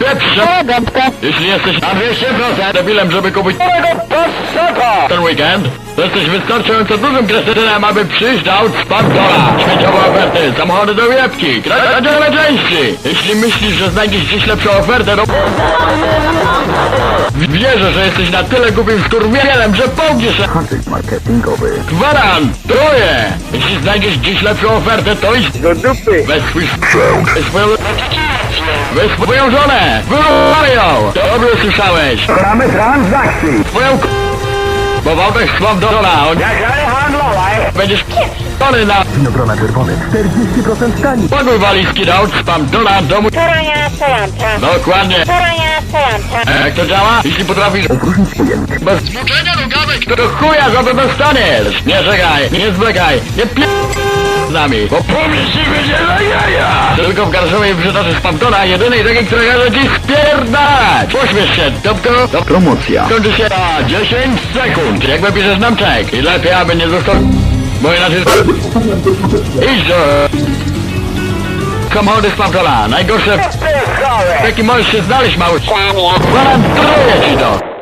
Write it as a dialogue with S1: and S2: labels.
S1: Pieprze gąbkę. Jeśli jesteś na 200% debilem, żeby kupić ten weekend, to jesteś wystarczająco dużym kretynem, aby przyjść do Outspamdola. Śmieciowe oferty, samochody do wiepki, kradziowe części. Jeśli myślisz, że znajdziesz gdzieś lepszą ofertę, to... Wierzę, że jesteś na tyle głupim skurwielem, że połkniesz się.
S2: Haczyk marketingowy.
S1: Gwarantuję! Jeśli znajdziesz gdzieś lepszą ofertę, to idź
S2: Do dupy.
S1: weź swój sprzęt. Weź swoją żonę! Wyłamaj ją! Dobrze słyszałeś!
S2: Gramy transakcji.
S1: Twoją bo Wałbek słab do żona, on
S2: Jak handlowej.
S1: będziesz k***ony na...
S2: Winogrona czerwone. 40% taniej.
S1: Pakuj walizki do Outspamdola domu...
S3: Torania stojąca.
S1: Dokładnie.
S3: Torania stojąca.
S1: Jak to działa? Jeśli potrafisz...
S2: Opróżnić pojemnik.
S1: Bez zmuczenia rugawek, to do chuja za to dostaniesz! Nie czekaj, nie zwlekaj, nie p... z nami, bo pomieści będzie na jaja! Tylko w Garszowej przytoczy Spamdona, jedynej takiej, która każe ci spierdalać! Pośmiesz się, Topko!
S2: Promocja.
S1: Kończy się na 10 sekund, jak napiszesz nam czek. I lepiej, aby nie został... Bo inaczej... Idź do... Samochody Spamdona, najgorsze... Jaki możesz się znaleźć, mały... Gwarantuję ci to!